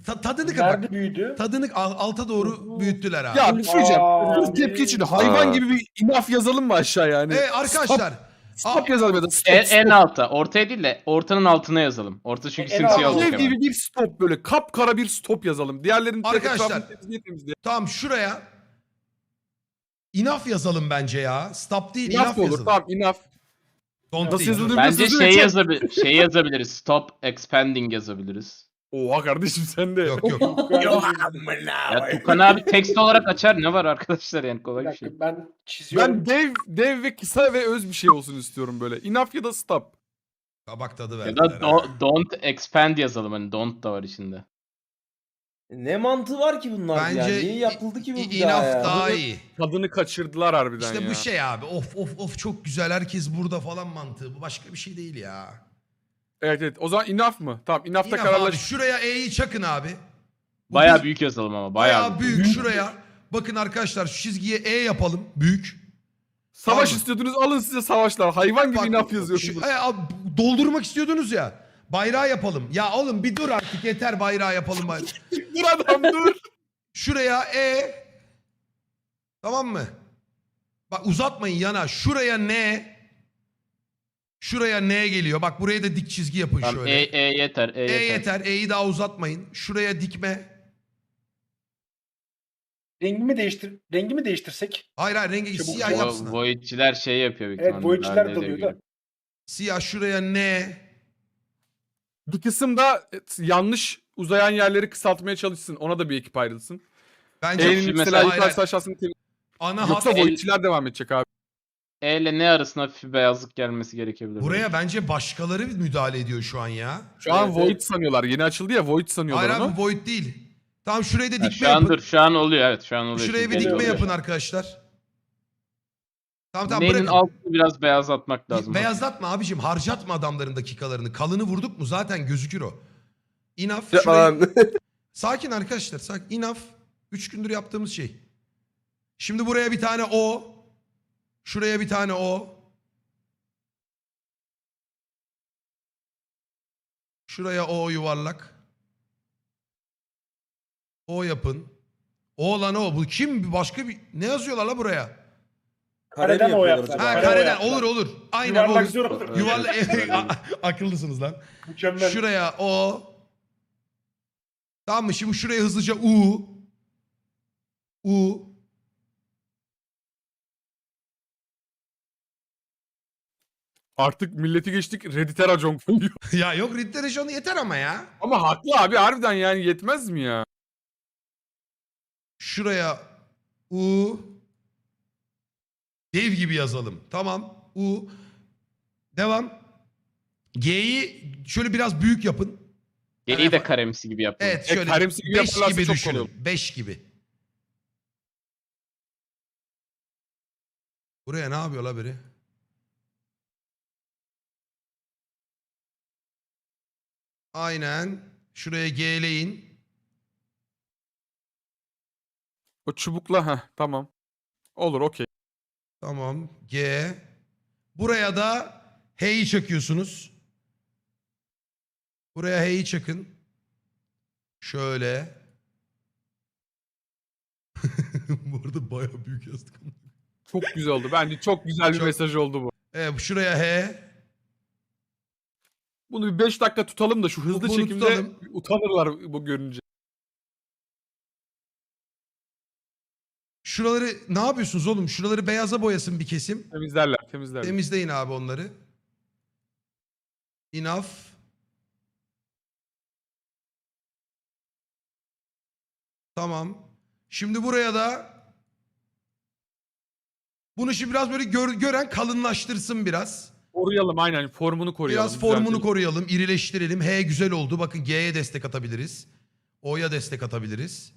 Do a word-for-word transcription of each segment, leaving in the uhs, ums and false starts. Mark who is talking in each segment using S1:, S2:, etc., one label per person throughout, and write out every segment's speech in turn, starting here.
S1: Ta- tadını bak.
S2: Nerede büyüdü?
S1: Tadını al- alta doğru büyüttüler abi.
S3: Ya bir şey söyleyeceğim.
S2: Aa,
S3: Sırf tepki için hayvan gibi bir inaf yazalım mı aşağı yani?
S1: Evet arkadaşlar.
S3: Stop, stop yazalım ya da stop,
S4: En,
S3: stop.
S4: en alta. Ortaya değil de ortanın altına yazalım. Orta çünkü
S2: En
S4: simsiyah
S2: alta.
S4: olacak
S3: Dev
S4: hemen.
S3: gibi bir stop böyle kapkara bir stop yazalım. Diğerlerinin tek
S1: Arkadaşlar.
S3: etrafını temizleye temizleye.
S1: Tamam şuraya enough yazalım bence ya. Stop değil
S3: İnaf
S1: enough
S3: da olur.
S1: yazalım.
S3: Tamam inaf.
S1: Don't
S3: Nasıl
S1: değil.
S3: yazılır?
S4: Bence
S3: Sözü
S4: şey,
S3: çok-
S4: yazabi şey yazabiliriz. Stop expanding yazabiliriz.
S3: Oha kardeşim sen de.
S1: Yok yok.
S4: Ya Tukan abi tekst olarak açar. Ne var arkadaşlar yani
S2: Bir
S4: kolay bir
S2: dakika
S4: şey.
S2: ben çiziyorum.
S3: Ben dev dev ve kısa ve öz bir şey olsun istiyorum böyle. Inaf ya da stop.
S1: Kabak tadı
S4: Ya
S1: verdiler.
S4: da do- don't expand yazalım. Hani don't da var içinde.
S5: Ne mantığı var ki bunlar
S1: Bence
S5: ya? Niye yapıldı ki bu
S1: i-
S5: bir daha
S1: enough
S5: ya?
S1: daha iyi.
S3: Tadını kaçırdılar harbiden
S1: İşte
S3: ya.
S1: bu şey abi. Of of of çok güzel. Herkes burada falan mantığı. Bu başka bir şey değil ya.
S3: Evet evet. O zaman inaf mı? Tamam inafta
S1: Enough abi.
S3: kararlaş.
S1: Şuraya E'yi çakın abi. Bu
S4: Bayağı
S1: biz-
S4: büyük yazalım ama.
S1: Bayağı
S4: Bayağı,
S1: büyük.
S4: büyük.
S1: Şuraya. Bakın arkadaşlar şu çizgiye E yapalım. Büyük.
S3: Savaş
S1: Tamam.
S3: istiyordunuz alın size savaşlar. Hayvan gibi
S1: Bak,
S3: inaf yazıyorsunuz.
S1: şu- e, abi, doldurmak istiyordunuz ya. Bayrağı yapalım. Ya oğlum bir dur artık yeter bayrağı yapalım. Bayrağı.
S3: Dur adam dur.
S1: Şuraya E. Tamam mı? Bak uzatmayın yana. Şuraya N. Şuraya N geliyor. Bak buraya da dik çizgi yapın
S4: Tamam,
S1: şöyle.
S4: e, e yeter. E,
S1: E
S4: yeter.
S1: yeter. E'yi daha uzatmayın. Şuraya dikme.
S2: Rengimi değiştir rengimi değiştirsek.
S1: Hayır hayır rengi
S2: Çabuk
S1: siyah
S2: çabuk.
S1: yapsın.
S4: O Void'çiler şey yapıyor büyük
S2: Evet
S4: ihtimalle,
S2: boyutçular
S4: Dark Age'e
S2: dalıyor
S4: göre.
S2: da.
S1: Siyah şuraya N.
S3: Bir kısımda yanlış uzayan yerleri kısaltmaya çalışsın. Ona da bir ekip ayrılsın.
S1: Bence
S3: E'nin
S4: Şimdi
S3: mesela
S1: hayır,
S3: yukarısı
S1: hayır.
S3: aşağısını temiz.
S1: Ana
S3: Yoksa
S1: hat.
S4: el-
S3: Void'çiler devam edecek abi.
S4: E ile ne arasında hafif bir beyazlık gelmesi gerekebilir.
S1: Buraya bence başkaları müdahale ediyor şu an ya.
S3: Şu an
S5: Evet,
S3: Void
S5: evet.
S3: sanıyorlar. Yeni açıldı ya Void sanıyorlar
S1: Hayır
S3: onu.
S1: abi Void değil. Tamam şuraya da
S4: Ha,
S1: dikme
S4: şu an
S1: yapın.
S4: dur. Şu an oluyor evet. Şu an oluyor.
S1: Şuraya
S4: Şimdi
S1: bir dikme
S4: geliyor.
S1: yapın arkadaşlar. Tamam tamam
S4: Neyin
S1: bırakın.
S4: altını biraz beyazlatmak lazım.
S1: Beyazlatma abicim. Harcatma adamların dakikalarını. Kalını vurduk mu zaten gözükür o. Enough.
S5: Ya
S1: Şurayı...
S5: lan.
S1: Sakin arkadaşlar. Sakin. Enough. Üç gündür yaptığımız şey. Şimdi buraya bir tane O. Şuraya bir tane O. Şuraya O yuvarlak. O yapın. O lan o. Bu kim? Başka bir... Ne yazıyorlar la buraya?
S2: Kareden o yaptılar.
S1: Ha
S2: Kare
S1: kareden.
S2: yaptılar.
S1: Olur olur. Aynen
S2: Yuvarlak
S1: olur.
S2: zor olur.
S1: Yuvarlak. Akıllısınız lan.
S2: Mükemmel.
S1: Şuraya O. Tamam mı? Şimdi şuraya hızlıca U. U.
S3: Artık milleti geçtik Reddit'e racon koyuyor.
S1: Ya yok Ritterishon yeter ama ya.
S3: Ama haklı abi harbiden yani yetmez mi ya?
S1: Şuraya U. Dev gibi yazalım. Tamam. U. Devam. G'yi şöyle biraz büyük yapın.
S4: Geriyi de karemsi gibi yapalım.
S1: Evet
S3: E,
S1: şöyle
S3: karemsi gibi
S1: beş
S3: yaparlarsa
S1: gibi
S3: çok
S1: düşünün.
S3: kolay olur.
S1: beş gibi. Buraya ne yapıyor la biri? Aynen. Şuraya G'leyin.
S3: O çubukla ha tamam. Olur okey.
S1: Tamam. G. Buraya da H'yi çakıyorsunuz. Buraya H'yi çakın. Şöyle. Bu arada bayağı büyük yazdık.
S3: Çok güzel oldu. Bence çok güzel bir
S1: Çok-
S3: mesaj oldu bu.
S1: Evet şuraya H.
S3: Bunu bir beş dakika tutalım da şu hızlı
S1: Bunu
S3: çekimde
S1: tutalım.
S3: utanırlar bu görünce.
S1: Şuraları ne yapıyorsunuz oğlum? Şuraları beyaza boyasın bir kesim.
S3: Temizlerler temizlerler.
S1: Temizleyin abi onları. Enough. Tamam. Şimdi buraya da bunu şimdi biraz böyle gör- gören kalınlaştırsın biraz.
S3: Koruyalım aynen formunu koruyalım.
S1: Biraz formunu
S3: düzeltelim.
S1: koruyalım, irileştirelim. H güzel oldu. Bakın G'ye destek atabiliriz. O'ya destek atabiliriz.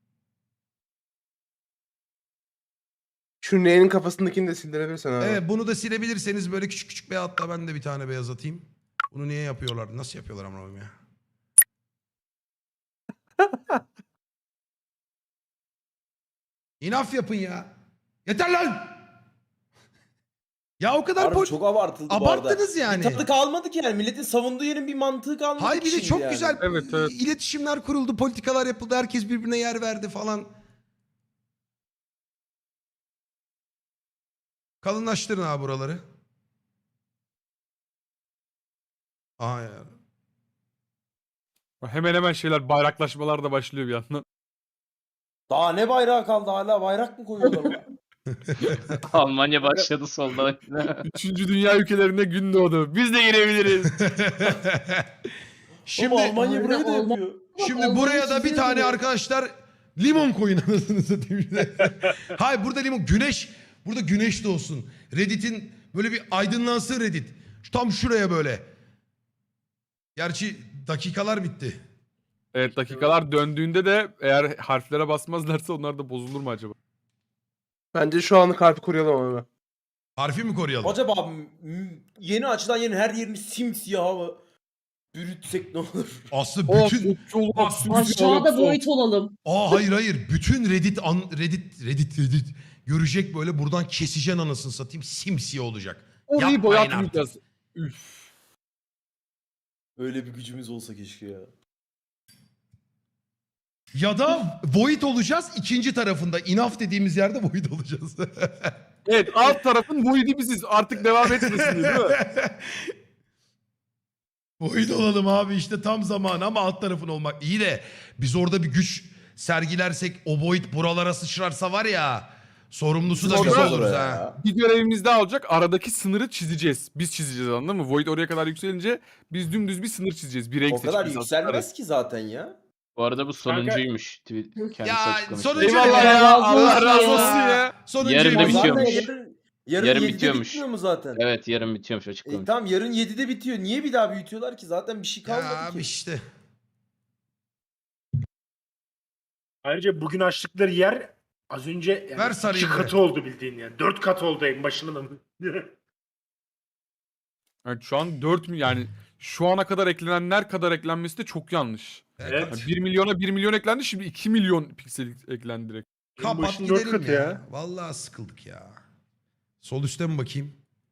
S5: Şu N'nin kafasındakini de sildirebilirsen abi.
S1: Evet bunu da silebilirseniz böyle küçük küçük beyaz, hatta ben de bir tane beyaz atayım. Bunu niye yapıyorlar? Nasıl yapıyorlar amına koyayım ya? İnaf yapın ya. Yeter lan! Ya o kadar
S5: Harbi
S1: pol-
S5: çok abartıldı bu arada.
S1: abarttınız yani.
S5: Bir tadı kalmadı ki yani. Milletin savunduğu yerin bir mantığı kalmadı
S1: Hayır
S5: ki
S1: bir de
S5: şimdi
S1: çok
S5: yani.
S1: güzel
S3: Evet, evet.
S1: iletişimler kuruldu, politikalar yapıldı, herkes birbirine yer verdi falan. Kalınlaştırın abi buraları. Aha ya.
S3: Hemen hemen şeyler bayraklaşmalar da başlıyor bir yandan.
S5: Daha ne bayrağı kaldı, hala bayrak mı koyuyorlar lan?
S4: Almanya başladı solda.
S3: Üçüncü dünya ülkelerinde gün doğdu. Biz de girebiliriz.
S1: Şimdi
S5: Ama Almanya
S6: Öyle
S5: burayı da
S6: olmaz.
S5: yapıyor.
S1: şimdi
S6: Almanya
S1: buraya da bir
S6: çiziyor
S1: tane
S6: diyor.
S1: arkadaşlar limon koyun anasını satayım. Hayır burada limon güneş burada güneş de olsun. Reddit'in böyle bir aydınlansın Reddit. Şu- Tam şuraya böyle. Gerçi dakikalar bitti.
S3: Evet, dakikalar döndüğünde de eğer harflere basmazlarsa onlar da bozulur mu acaba?
S7: Bence şu anlık harfi koruyalım abi.
S1: Harfi mi koruyalım?
S5: Acaba m- yeni açılan yerin her yerini simsiyah mı bürütsek ne olur?
S1: Aslında
S3: Oh,
S1: bütün...
S3: çok
S1: Bak,
S6: Aşağıda boyut olalım.
S1: Aa hayır hayır. Bütün Reddit, an, Reddit, Reddit, Reddit görecek böyle buradan keseceksin anasını satayım. Simsiyah olacak.
S3: Orayı
S1: Yapmayın
S3: boyatmayacağız. Üf.
S5: Öyle bir gücümüz olsa keşke ya.
S1: Ya da void olacağız ikinci tarafında. Enough dediğimiz yerde void olacağız.
S3: Evet, alt tarafın void'i biziz. Artık devam etmesin diye, değil mi?
S1: Void olalım abi işte tam zamanı ama alt tarafın olmak. İyi de biz orada bir güç sergilersek o void buralara sıçrarsa var ya sorumlusu da
S3: Biz
S1: biz
S3: orada-
S1: oluruz
S5: ya.
S1: ha.
S3: Bir görevimiz daha olacak. Aradaki sınırı çizeceğiz. Biz çizeceğiz, anladın mı? Void oraya kadar yükselince biz dümdüz bir sınır çizeceğiz. Bir renk
S5: O kadar
S3: seçeceğiz
S5: yükselmez
S3: aslında.
S5: ki zaten ya.
S4: Bu arada bu sonuncuymuş. Tweet- Kendisi
S1: Ya,
S4: açıklamış.
S1: sonuncu-
S3: Eyvallah ya.
S6: razı
S3: Allah
S6: olsun
S3: razı
S6: ya.
S3: olsun ya.
S1: Sonuncu
S4: Yarın da
S5: Ya zaten
S4: bitiyormuş.
S5: yarın, yarın,
S4: Yarın
S5: yedide
S4: bitiyormuş.
S5: bitmiyor mu zaten?
S4: Evet yarın bitiyormuş
S5: E,
S4: açıklamış.
S5: tamam yarın yedide bitiyor. Niye bir daha büyütüyorlar ki? Zaten bir şey kalmadı
S1: Ya abi
S5: ki.
S1: işte.
S2: Ayrıca bugün açtıkları yer az önce yani
S1: Ver
S2: iki
S1: sarıyı buraya.
S2: katı oldu bildiğin yani. Dört kat oldu en başında mı?
S3: Evet, şu an dört mi yani şu ana kadar eklenenler kadar eklenmesi de çok yanlış.
S2: Evet.
S3: Yani bir milyona bir milyon eklendi, şimdi iki milyon piksel eklendi direkt.
S2: En
S1: Kapat
S2: başın dört
S1: gidelim
S2: katı
S1: ya.
S2: ya.
S1: Vallahi sıkıldık ya. Sol üstte mi bakayım?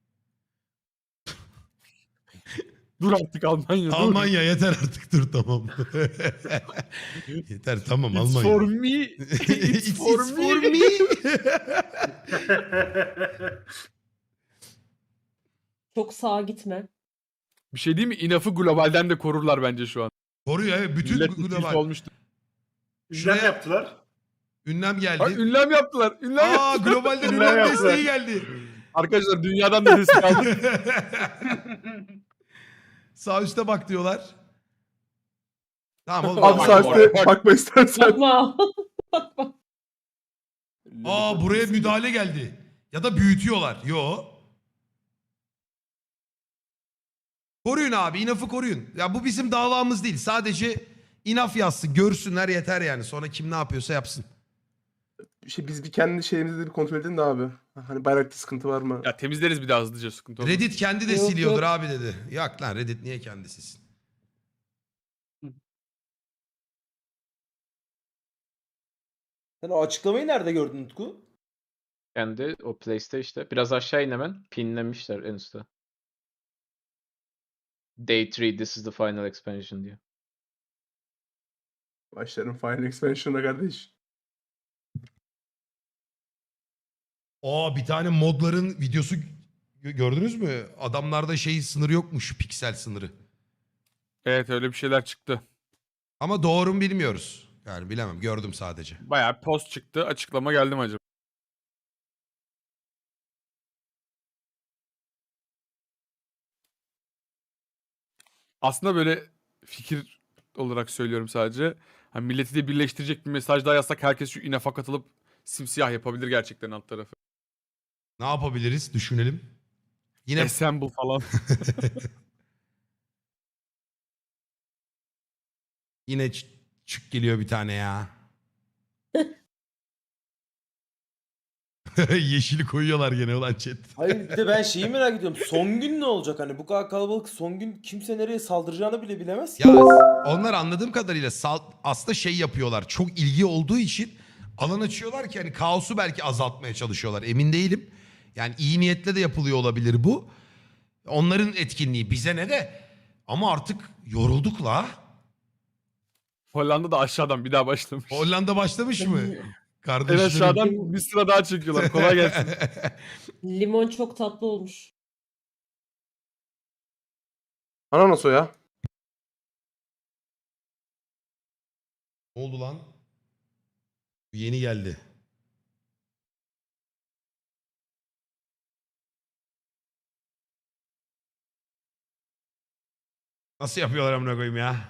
S3: Dur artık Almanya, dur.
S1: Almanya yeter artık dur tamam. yeter tamam
S3: It's
S1: Almanya.
S3: for me.
S1: It's,
S3: It's for
S1: it's for
S3: me.
S1: me.
S6: Çok sağa gitme.
S3: Bir şey değil mi? İnaf'ı globalden de korurlar bence şu an.
S1: Koruyor evet bütün
S3: Millet tilt
S1: global.
S3: olmuştu.
S2: Ünlem
S1: Şuraya-
S2: yaptılar.
S1: Ünlem geldi.
S3: Bak ünlem yaptılar. Ünlem
S1: Aa
S3: yaptılar.
S1: globalden
S2: Ünlem
S1: ünlem
S2: yaptılar.
S1: desteği geldi.
S3: Arkadaşlar dünyadan da destek aldık.
S1: Sağ üstte bak diyorlar. Tamam oğlum.
S7: Abi
S1: bak,
S7: sağ
S1: bak.
S7: üstte bakma istersen.
S6: Bakma.
S1: Aa buraya müdahale geldi. Ya da büyütüyorlar. Yo. Koruyun abi. inafı koruyun. Ya bu bizim davamız değil. Sadece inaf yazsın. Görsünler yeter yani. Sonra kim ne yapıyorsa yapsın.
S7: Şey, biz bir kendi şeyimizi de bir kontrol edelim de abi. Hani bayrakta sıkıntı var mı?
S3: Ya temizleriz bir daha hızlıca, sıkıntı olmaz.
S1: Reddit kendi de
S6: Yok,
S1: siliyordur
S6: yok.
S1: abi dedi. Yok lan Reddit niye kendi silsin?
S5: Sen o açıklamayı nerede gördün Utku?
S4: Kendi o place'te işte. Biraz aşağı in hemen. Pinlemişler en üstte. Day three this is the final expansion diyor.
S7: Başlarım Final Expansion'a kardeş.
S1: Aa bir tane modların videosu gö- gördünüz mü? Adamlarda şey sınırı yokmuş. Piksel sınırı.
S3: Evet, öyle bir şeyler çıktı.
S1: Ama doğru mu bilmiyoruz. Yani bilemem. Gördüm sadece.
S3: Bayağı post çıktı. Açıklama geldi mi acaba? Aslında böyle fikir olarak söylüyorum sadece. Hani milleti de birleştirecek bir mesaj daha yazsak herkes şu inafa katılıp simsiyah yapabilir gerçekten alt tarafı.
S1: Ne yapabiliriz? Düşünelim. Yine
S3: Assemble falan.
S1: yine ç- çık geliyor bir tane ya. Yeşili koyuyorlar gene ulan chat.
S5: Hayır bir de ben şeyi merak ediyorum. Son gün ne olacak? Hani bu kadar kalabalık son gün kimse nereye saldıracağını bile bilemez ki.
S1: Ya onlar anladığım kadarıyla sal- aslında şey yapıyorlar. Çok ilgi olduğu için alan açıyorlar ki hani kaosu belki azaltmaya çalışıyorlar. Emin değilim. Yani iyi niyetle de yapılıyor olabilir bu. Onların etkinliği bize ne de. Ama artık yorulduk la.
S3: Hollanda da aşağıdan bir daha başlamış.
S1: Hollanda başlamış mı?
S3: En
S1: Kardeşlerim.
S3: aşağıdan bir sıra daha çekiyorlar. Kolay gelsin.
S6: Limon çok tatlı olmuş.
S7: Ananas o ya.
S1: Ne oldu lan? Bu yeni geldi. Nasıl yapıyorlar amına koyayım ya?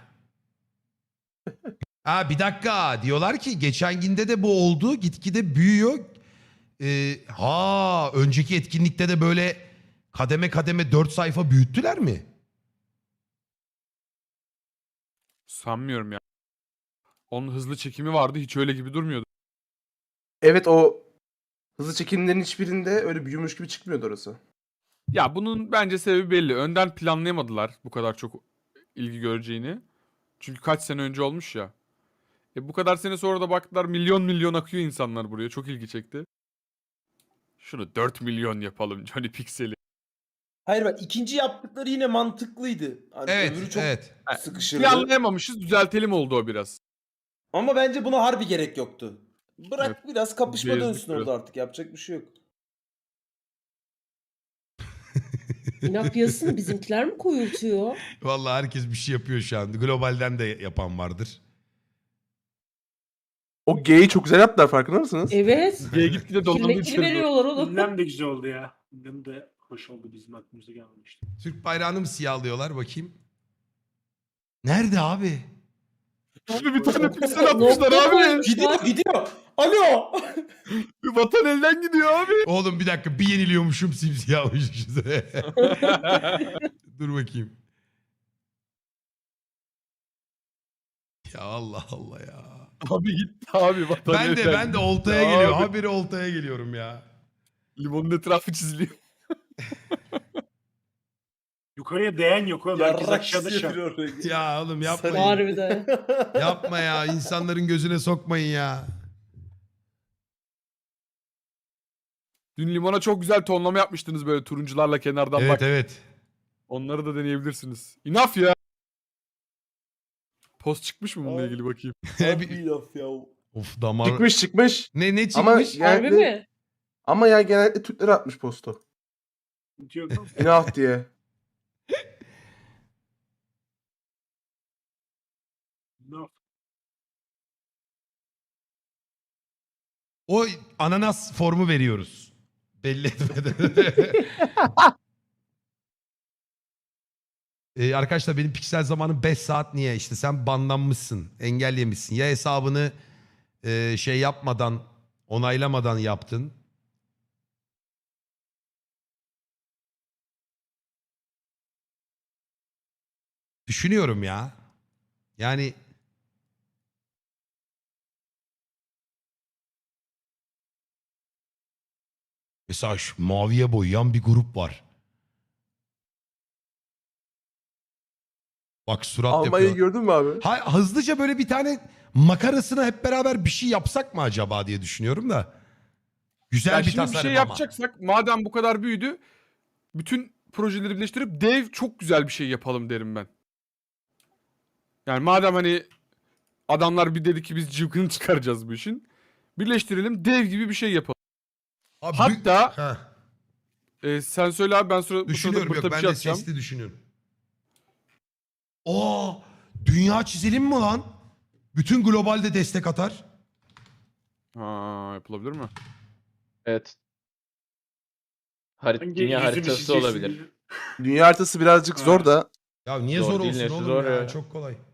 S1: Ha bir dakika. Diyorlar ki geçen günde de bu oldu. Gitgide büyüyor. Ee, ha önceki etkinlikte de böyle kademe kademe dört sayfa büyüttüler mi?
S3: Sanmıyorum ya. Onun hızlı çekimi vardı. Hiç öyle gibi durmuyordu.
S7: Evet, o hızlı çekimlerin hiçbirinde öyle büyümüş gibi çıkmıyordu orası.
S3: Ya bunun bence sebebi belli. Önden planlayamadılar bu kadar çok ilgi göreceğini. Çünkü kaç sene önce olmuş ya. E bu kadar sene sonra da baktılar milyon milyon akıyor insanlar buraya. Çok ilgi çekti. Şunu dört milyon yapalım Johnny Pixel'i.
S5: Hayır bak, ikinci yaptıkları yine mantıklıydı. Hani öbürü
S1: Evet,
S5: çok
S1: evet.
S5: sıkışırdı.
S3: Planlayamamışız, düzeltelim oldu o biraz.
S5: Ama bence buna harbi gerek yoktu. Bırak
S3: Evet.
S5: biraz kapışma
S3: Gezdik
S5: dönsün
S3: biraz.
S5: orada artık. Yapacak bir şey yok.
S6: İnap yazısını bizimkiler mi koyultuyor?
S1: Vallahi herkes bir şey yapıyor şu an. Globalden de yapan vardır.
S7: O G'yi çok güzel yaptılar, farkında mısınız?
S6: Evet.
S3: G'ye gitgide dolandı
S6: Kimlikleri
S3: içeri.
S6: veriyorlar oğlum.
S2: Ünlem de güzel oldu ya. Ünlem de hoş oldu, bizim aklımıza gelmemişti.
S1: Türk bayrağını mı siyahlıyorlar bakayım? Nerede abi?
S3: Abi bir tane piksel
S6: Nokta
S3: atmışlar abi.
S6: koymuşlar.
S5: Gidiyor gidiyor. Alo.
S3: Vatan elden gidiyor abi.
S1: Oğlum bir dakika bir yeniliyormuşum simsiyahmışız. Dur bakayım. Ya Allah Allah ya.
S3: Abi gitti abi vatan
S1: Ben de
S3: elden
S1: ben de
S3: gitti
S1: oltaya
S3: abi.
S1: geliyorum. Habire oltaya geliyorum ya.
S3: Limonun etrafı çiziliyor.
S2: Yukarıya değen yok oğlum. Herkes
S5: Yarrak
S2: aşağıda şu an.
S5: yapıyor oraya.
S1: Ya oğlum yapmayın.
S6: Harbiden.
S1: Yapma ya. İnsanların gözüne sokmayın ya.
S3: Dün limona çok güzel tonlama yapmıştınız böyle turuncularla kenardan
S1: Evet
S3: bak.
S1: evet.
S3: Onları da deneyebilirsiniz. Enough ya. Post çıkmış mı bununla
S5: Aa.
S3: ilgili bakayım.
S5: Harbi laf ya.
S1: Of damar.
S7: Çıkmış çıkmış.
S1: Ne ne
S7: Ama
S1: çıkmış?
S7: yani-
S6: Harbi mi?
S7: Ama ya genellikle Türkler atmış postu.
S2: Sıkıntı yok oğlum.
S7: Enough diye.
S2: No.
S1: O ananas formu veriyoruz. Belli etmeden. Ee, arkadaşlar benim piksel zamanım beş saat niye? İşte sen banlanmışsın, engellemişsin. Ya hesabını e, şey yapmadan, onaylamadan yaptın. Düşünüyorum ya. Yani mesela şu maviye boyayan bir grup var. Bak surat
S7: Almanya'yı
S1: yapıyor.
S7: gördün mü abi?
S1: Ha, hızlıca böyle bir tane makarasına hep beraber bir şey yapsak mı acaba diye düşünüyorum da. Güzel
S3: Ya
S1: bir
S3: şimdi bir
S1: tasarım
S3: şey
S1: ama.
S3: yapacaksak madem bu kadar büyüdü bütün projeleri birleştirip dev çok güzel bir şey yapalım derim ben. Yani madem hani adamlar bir dedi ki biz cıvkını çıkaracağız bu işin. Birleştirelim dev gibi bir şey yapalım.
S1: Abi,
S3: Hatta-
S1: Heh,
S3: Ee, sen söyle abi ben sonra bu sırada
S1: düşünüyorum
S3: bırta
S1: yok
S3: bir
S1: ben
S3: şey
S1: de
S3: atacağım.
S1: sesli düşünüyorum. Aa, dünya çizelim mi lan? Bütün globalde destek atar.
S3: Ha, yapılabilir mi?
S4: Evet. Harit
S2: Hangi
S4: dünya
S2: yüzünü
S4: haritası
S2: çizeceksin?
S4: olabilir.
S7: Dünya haritası birazcık
S2: Ha.
S7: zor da.
S1: Ya niye
S4: Zor
S1: zor,
S4: değil,
S1: olsun
S4: nesi
S1: oğlum
S4: zor
S1: ya?
S4: ya.
S1: Çok kolay.